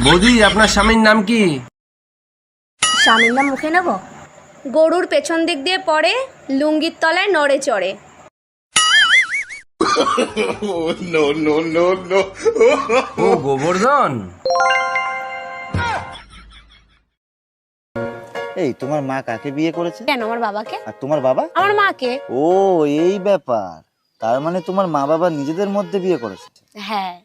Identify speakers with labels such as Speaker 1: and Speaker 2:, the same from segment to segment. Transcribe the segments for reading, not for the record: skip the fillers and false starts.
Speaker 1: বৌদি, আপনার স্বামীর নাম কি?
Speaker 2: স্বামীর নাম মুখে নেব? গরুর পেছন দিক দিয়ে পড়ে, লুঙ্গির তলায় নড়ে চড়ে।
Speaker 1: ও গোবর্ধন।
Speaker 3: এই তোমার মা কাকে বিয়ে করেছে?
Speaker 2: কেন, আমার বাবাকে।
Speaker 3: আর তোমার বাবা?
Speaker 2: আমার মাকে।
Speaker 3: ও এই ব্যাপার, তার মানে তোমার মা বাবা নিজেদের মধ্যে বিয়ে করেছে?
Speaker 2: হ্যাঁ।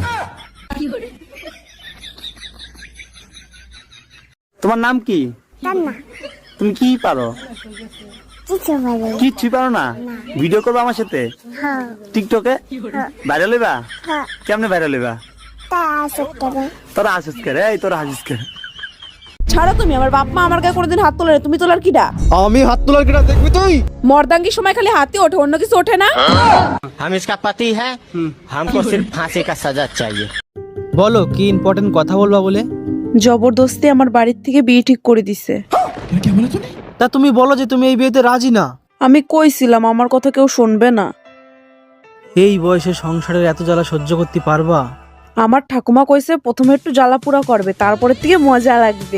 Speaker 4: তোমার নাম কি? তুমি কি পারো? কিচ্ছু পারো না? ভিডিও করবো আমার সাথে টিকটকে? ভাইরাল হইবা? কেমনে ভাইরাল হইবা? তোরা হাসিস করে, এই তোরা হাসিস করে।
Speaker 5: ছাড়ো তুমি, আমার বাপ মা আমার গায়ে কোনোদিন হাত তোলে না, তুমি তোলার কিডা?
Speaker 6: আমি হাত তোলার কিডা দেখবি তুই?
Speaker 5: মর্দাঙ্গির সময় খালি হাতই ওঠে, অন্য কিছু ওঠে না।
Speaker 7: हम इसका पति है, हमको सिर्फ फांसी का सजा चाहिए।
Speaker 6: বলো কি ইম্পর্টেন্ট কথা বলবা বলে?
Speaker 5: জবরদস্তি আমার বাড়ির থেকে বিয়ে ঠিক করে দিছে।
Speaker 6: তা তুমি বলো যে তুমি এই বিয়েতে রাজি না।
Speaker 5: আমি কইছিলাম আমার কথা কেউ শুনবে না।
Speaker 6: এই বয়সে সংসারের এত জ্বালা সহ্য করতে পারবা?
Speaker 5: আমার ঠাকুমা কইছে প্রথমে একটু জ্বালা পুরা করবে, তারপরে থেকে মজা লাগবে।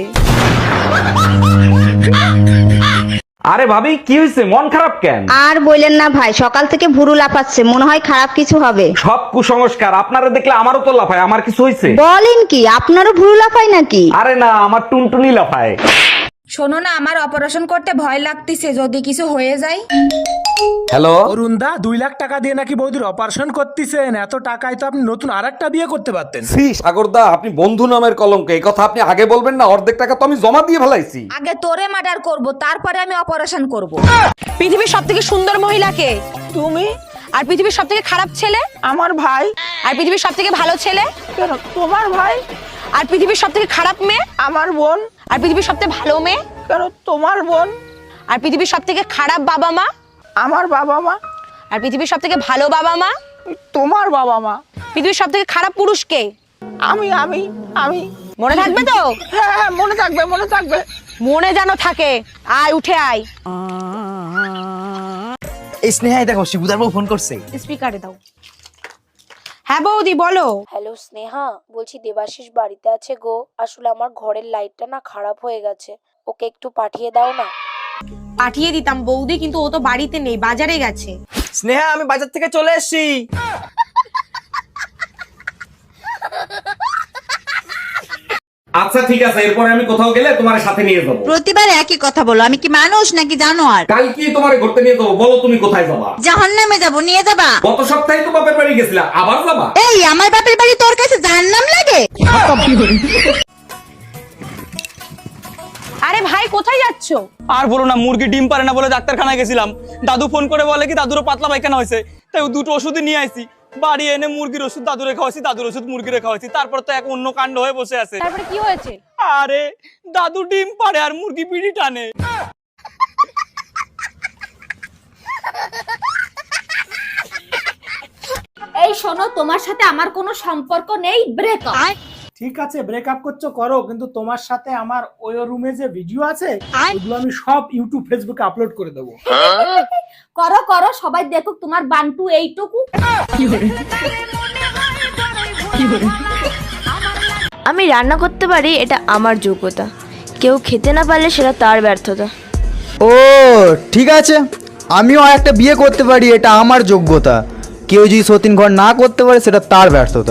Speaker 8: আরে ভাবি, কি হয়েছে? মন খারাপ কেন?
Speaker 9: আর বললেন না ভাই, সকাল থেকে ভুরু লাফাচ্ছে, মনে হয় খারাপ কিছু হবে।
Speaker 8: সব কুসংস্কার। আপনারা দেখলে আমারও তো লাফায়। আমার কিছু হয়েছে?
Speaker 9: বলেন কি, আপনারও ভুরু লাফায় নাকি?
Speaker 8: আরে না, আমার টুনটুনি লাফায়।
Speaker 10: শোনো না, আমার অপারেশন করতে ভয় লাগতেছে, যদি কিছু হয়ে যায়।
Speaker 8: হ্যালো
Speaker 11: অরুণদা, 2 লাখ টাকা দিয়ে নাকি বৌদির অপারেশন করতেছেন? এত টাকায় তো আপনি নতুন আরেকটা বিয়ে করতে পারতেন।
Speaker 8: সাগরদা, আপনি বন্ধু নামের কলঙ্ক। এই কথা আপনি আগে বলবেন না। অর্ধেক টাকা তো আমি জমা দিয়ে ফেলাইছি।
Speaker 10: আগে তোরে মার্ডার করব, তারপরে আমি অপারেশন করব।
Speaker 2: পৃথিবীর সব থেকে সুন্দর মহিলা কে?
Speaker 5: তুমি।
Speaker 2: আর পৃথিবীর সব থেকে খারাপ ছেলে?
Speaker 5: আমার ভাই।
Speaker 2: আর পৃথিবীর সব থেকে ভালো ছেলে?
Speaker 5: কেন, তোমার ভাই।
Speaker 2: আর পৃথিবীর সব থেকে খারাপ মেয়ে?
Speaker 5: আমার বোন।
Speaker 2: আর পৃথিবীর সব থেকে ভালো মেয়ে?
Speaker 5: কেন, তোমার বোন।
Speaker 2: আর পৃথিবীর সব থেকে খারাপ বাবা মা?
Speaker 5: আমার বাবা মা।
Speaker 2: আর পৃথিবীর সব থেকে ভালো বাবা মা?
Speaker 5: তোমার বাবা মা।
Speaker 2: পৃথিবীর সব থেকে খারাপ পুরুষ কে?
Speaker 5: আমি আমি আমি
Speaker 2: মনে থাকবে তো?
Speaker 5: হ্যাঁ হ্যাঁ, মনে থাকবে, মনে থাকবে।
Speaker 2: মনে যেন থাকে। আয়, উঠে আয়।
Speaker 4: এই স্নেহাই দেখো, শিবুদার বউ ফোন করছে।
Speaker 2: স্পিকারে দাও। হ্যাঁ বৌদি, বলো।
Speaker 12: হ্যালো স্নেহা, বলছি দেবাশিস বাড়িতে আছে গো। আসলে আমার ঘরের লাইটটা না খারাপ হয়ে গেছে, ওকে একটু পাঠিয়ে দাও না।
Speaker 2: পাঠিয়ে দিতাম বৌদি, কিন্তু ও তো বাড়িতে নেই, বাজারে গেছে।
Speaker 4: স্নেহা, আমি বাজার থেকে চলে এসেছি।
Speaker 8: আচ্ছা ঠিক আছে, এরপরে আমি কোথাও গেলে তোমার সাথে নিয়ে যাবো।
Speaker 9: প্রতিবার একই কথা বলো, আমি কি মানুষ নাকি জানোয়ার?
Speaker 8: কাল কি তোমার ঘুরতে নিয়ে যাবো? বলো তুমি কোথায় যাবা?
Speaker 9: জাহান্নামে যাবো, নিয়ে যাবা?
Speaker 8: গত সপ্তাহে তো বাপের বাড়ি গেছিলা, আবার যাবা?
Speaker 9: এই আমার বাপের বাড়ি তোর কাছে জাহান্নাম লাগে?
Speaker 2: আরে ভাই, কোথায় যাচ্ছ?
Speaker 4: আর বলো না, মুরগি ডিম পারে না বলে ডাক্তারখানায় গেছিলাম। দাদু ফোন করে বলে কি দাদুরও পাতলা পায়খানা হয়েছে, তাই দুটো ওষুধই নিয়ে আসি। বাড়ি এনে মুরগির ওষুধ দাদুরে খাওয়াছি, দাদুর ওষুধ মুরগিরে খাওয়াছি। তারপর তো এক অন্য কাণ্ড হয়ে বসে আছে।
Speaker 2: তারপরে কি হয়েছে?
Speaker 4: আরে দাদু ডিম পারে আর মুরগি বিড়ি টানে।
Speaker 10: এই শোনো, তোমার সাথে আমার কোনো সম্পর্ক নেই, ব্রেকআপ।
Speaker 11: ঠিক আছে, ব্রেকআপ করছো করো, কিন্তু তোমার সাথে আমার ওই রুমে যে ভিডিও আছে ওগুলো আমি সব ইউটিউব ফেসবুকে আপলোড করে দেবো।
Speaker 10: করো করো, সবাই দেখুক তোমার বান্টু এইটুকু।
Speaker 12: আমি রান্না করতে পারি, এটা আমার যোগ্যতা। কেউ খেতে না পারলে সেটা তার ব্যর্থতা।
Speaker 6: ও ঠিক আছে, আমিও একটা বিয়ে করতে পারি, এটা আমার যোগ্যতা। কেউ যদি সতীন ঘর না করতে পারে সেটা তার ব্যর্থতা।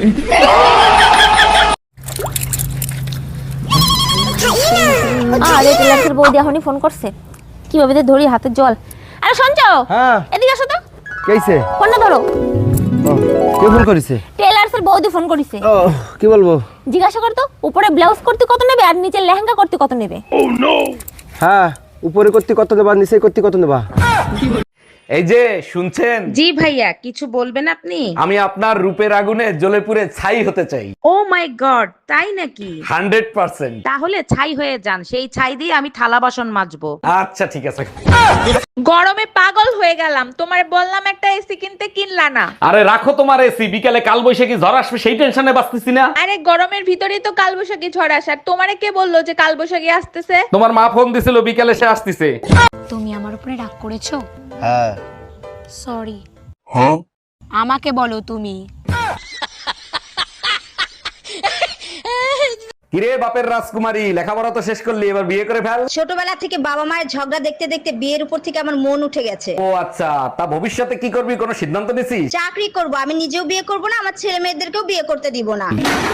Speaker 12: আরে টেলার্সের বৌদি এখনই ফোন করছে, কিভাবে যে ধরি হাতের জল। আরে শুনছো?
Speaker 6: হ্যাঁ,
Speaker 12: এদিকে আসো তো।
Speaker 6: কেইছে?
Speaker 12: ফোনটা ধরো।
Speaker 6: কে ফোন করেছে?
Speaker 12: টেলার্সের বৌদি ফোন করেছে।
Speaker 6: ও কি বলবো?
Speaker 12: জিজ্ঞাসা করতো উপরে ব্লাউজ করতে কত নেবে আর নিচে লেহেঙ্গা করতে কত নেবে।
Speaker 6: হ্যাঁ, উপরে করতে কত দেবা, নিচে করতে কত নেবা?
Speaker 8: এই যে শুনছেন?
Speaker 10: জি ভাইয়া, কিছু বলবেন আপনি?
Speaker 8: আমি আপনার রূপের আগুনে জ্বলে পুড়ে ছাই হতে চাই।
Speaker 10: ও মাই গড, তাই নাকি?
Speaker 8: 100%।
Speaker 10: তাহলে ছাই হয়ে যান, সেই ছাই দিয়ে আমি থালা বাসন মাজবো।
Speaker 8: আচ্ছা ঠিক আছে।
Speaker 10: গরমে পাগল হয়ে গেলাম, তোমার বললাম একটা এসি কিনতে, কিনলা না।
Speaker 8: আরে রাখো তোমার এসি, বিকালে কাল বৈশাখী ঝড় আসবে সেই টেনশনে বাঁচতেছি না।
Speaker 10: আরে গরমের ভিতরেই তো কালবৈশাখী ঝড় আসার, তোমারে কে বললো যে কালবৈশাখী আসতেছে?
Speaker 8: তোমার মা ফোন দিছিল বিকালে সে আসতেছে।
Speaker 2: তুমি আমার উপরে রাগ করেছো?
Speaker 3: হ্যাঁ।
Speaker 2: সরি।
Speaker 3: হ্যাঁ,
Speaker 2: আমাকে বলো তুমি।
Speaker 8: কিরে বাপের রাজকুমারী, লেখাপড়া তো শেষ করলি, এবার বিয়ে করে ফেল।
Speaker 9: ছোটবেলা থেকে বাবা মায়ের ঝগড়া দেখতে দেখতে বিয়ের উপর থেকে আমার মন উঠে গেছে।
Speaker 8: ও আচ্ছা, তা ভবিষ্যতে কি করবি, কোনো সিদ্ধান্ত নিছিস?
Speaker 9: চাকরি করব, আমি নিজেও বিয়ে করব না, আমার ছেলে মেয়েদেরকেও বিয়ে করতে দিব না।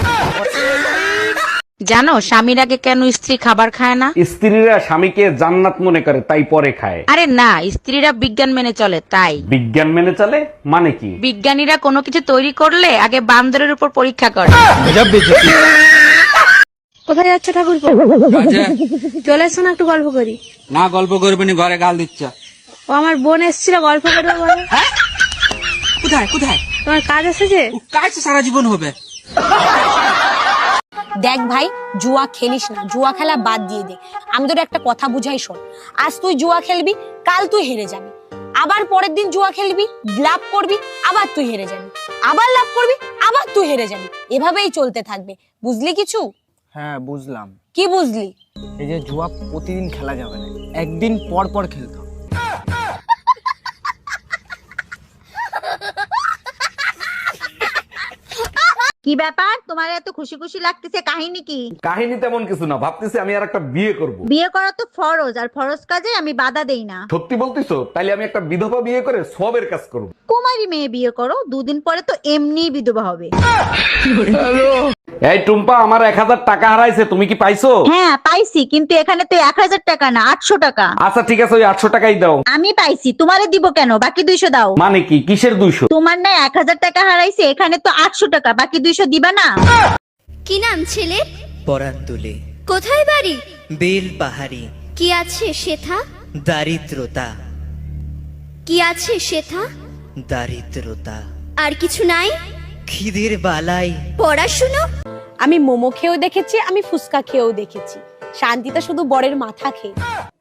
Speaker 10: জানো স্বামীর আগে কেন স্ত্রী খাবার খায় না?
Speaker 8: স্ত্রীরা স্বামীকে জান্নাত মনে করে, তাই পরে খায়।
Speaker 10: আরে না, স্ত্রীরা বিজ্ঞান মেনে চলে তাই।
Speaker 8: বিজ্ঞান মেনে চলে মানে কি?
Speaker 10: বিজ্ঞানীরা কোনো কিছু তৈরি করলে আগে বান্দরের উপর পরীক্ষা করে।
Speaker 2: কোথায় যাচ্ছ ঠাকুর? চলে এসো না, একটু গল্প করি।
Speaker 1: না গল্প করবে না, ঘরে গাল দিচ্ছ।
Speaker 2: ও আমার বোন এসেছিল, গল্প করবে বলে।
Speaker 1: কোথায় কোথায়?
Speaker 2: তোমার কাজ এসেছে?
Speaker 1: কাজ তো সারা জীবন হবে।
Speaker 12: দেখ ভাই, জুয়া খেলিস না, জুয়া খেলা বাদ দিয়ে দে। আমি তোর একটা কথা বুঝাই শোন, আজ তুই জুয়া খেলবি, কাল তুই হেরে যাবি, আবার পরের দিন জুয়া খেলবি, লাভ করবি, আবার তুই হেরে যাবি, আবার লাভ করবি, আবার তুই হেরে যাবি, এভাবেই চলতে থাকবে। বুঝলি কিছু?
Speaker 4: হ্যাঁ বুঝলাম।
Speaker 12: কি বুঝলি?
Speaker 4: এই যে জুয়া প্রতিদিন খেলা যাবে না, একদিন পর পর খেলতে হবে।
Speaker 9: কি ব্যাপার, তোমার এত খুশি খুশি লাগতেছে, কাহিনী কি?
Speaker 8: কাহিনী তেমন কিছু না, ভাবতেছি আমি আর একটা বিয়ে করব।
Speaker 9: বিয়ে করা তো ফরজ, আর ফরজ কাজে আমি বাধা দেই না।
Speaker 8: সত্যি বলতিছো? তাইলে আমি একটা বিধবা বিয়ে করে সবের কাজ করব।
Speaker 9: কুমারী মেয়ে বিয়ে করো, দুদিন পরে তো এমনিই বিধবা হবে।
Speaker 8: এই টুম্পা, আমার 1000 টাকা হারাইছে, তুমি কি পাইছো?
Speaker 9: হ্যাঁ পাইছি, কিন্তু এখানে তো 1000 টাকা না, 800 টাকা।
Speaker 8: আচ্ছা ঠিক আছে, ওই 800 টাকাই দাও।
Speaker 9: আমি পাইছি, তোমারে দিব কেন? বাকি 200 দাও।
Speaker 8: মানে কি, কিসের 200?
Speaker 9: তোমার না 1000 টাকা হারাইছে, এখানে তো 800 টাকা, বাকি 200 দিবা না?
Speaker 2: কি নাম ছেলে?
Speaker 7: পরান তুলে
Speaker 2: কোথায় বাড়ি?
Speaker 7: বেল পাহাড়ি।
Speaker 2: কি আছে সেথা?
Speaker 7: দারিদ্রতা।
Speaker 2: কি আছে সেথা?
Speaker 7: দারিদ্রতা।
Speaker 2: আর কিছু নাই?
Speaker 7: খিদের বালাই।
Speaker 2: পড়াশুনো? আমি মোমো খেয়েও দেখেছি, আমি ফুচকা খেয়েও দেখেছি, শান্তিটা শুধু বরের মাথা খেয়ে।